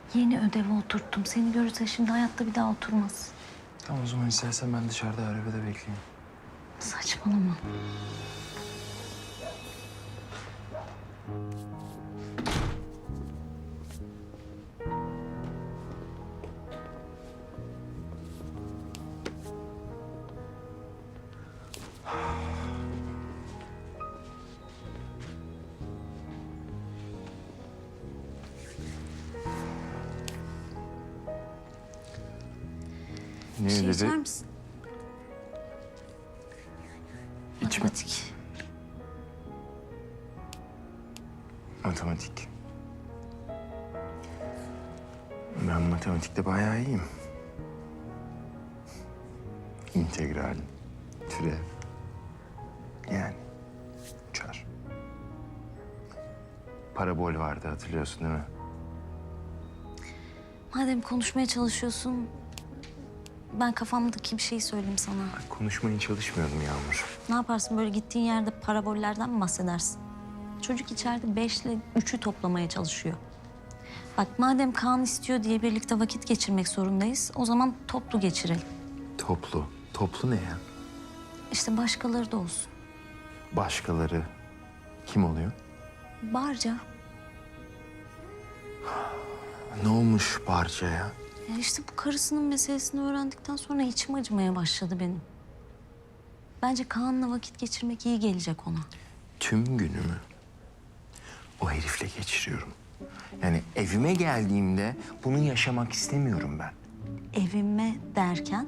Yeni ödevi oturttum. Seni görürse şimdi hayatta bir daha oturmaz. Tamam o zaman istersen ben dışarıda arabada bekleyeyim. Saçmalama. Ne Bir şey dedi? içer misin? İçme. Matematik. Matematik. Ben matematikte bayağı iyiyim. İntegral, türev. Yani uçar. Parabol vardı hatırlıyorsun değil mi? Madem konuşmaya çalışıyorsun, ben kafamdaki bir şey söyleyeyim sana. Konuşmaya çalışmıyordum Yağmur. Ne yaparsın böyle gittiğin yerde parabollerden mi bahsedersin? Çocuk içeride 5 ile 3'ü toplamaya çalışıyor. Bak madem Kaan istiyor diye birlikte vakit geçirmek zorundayız, o zaman toplu geçirelim. Toplu. Toplu ne ya? İşte başkaları da olsun. Başkaları kim oluyor? Barca. Ne olmuş Barca'ya? Ya işte bu karısının meselesini öğrendikten sonra içim acımaya başladı benim. Bence Kaan'la vakit geçirmek iyi gelecek ona. Tüm günümü o herifle geçiriyorum. Yani evime geldiğimde bunu yaşamak istemiyorum ben. Evime derken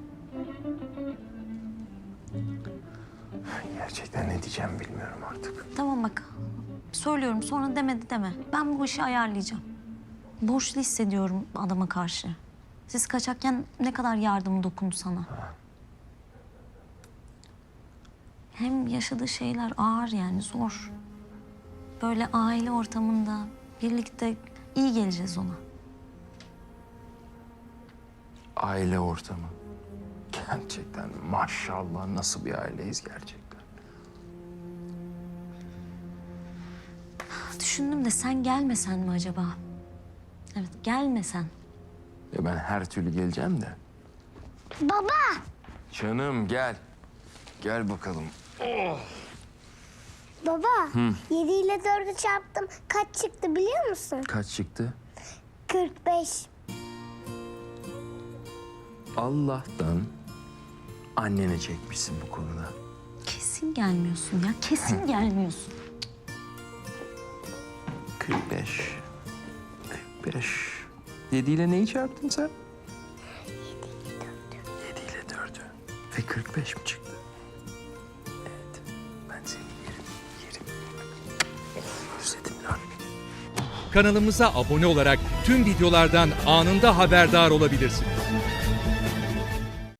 Gerçekten ne diyeceğim bilmiyorum artık. tamam bak söylüyorum sonra demedi deme. Ben bu işi ayarlayacağım. Borçlu hissediyorum adama karşı. Siz kaçakken ne kadar yardımı dokundu sana. Hem yaşadığı şeyler ağır yani zor. Böyle aile ortamında birlikte iyi geleceğiz ona. Aile ortamı. Gerçekten maşallah nasıl bir aileyiz gerçekten. Düşündüm de sen gelmesen mi acaba? Evet gelmesen. Ya ben her türlü geleceğim de. Baba! Canım gel. Gel bakalım. Baba, 7 ile 4'ü çarptım. Kaç çıktı biliyor musun? Kaç çıktı? 45. Allah'tan annene çekmişsin bu konuda. Kesin gelmiyorsun ya kesin gelmiyorsun. 45. 45. 7 ile neyi çarptın sen? 7 ile 4'ü. Ve 45 mi çıktı? Evet. Ben seni yerim. Özledim lan. Kanalımıza abone olarak tüm videolardan anında haberdar olabilirsiniz.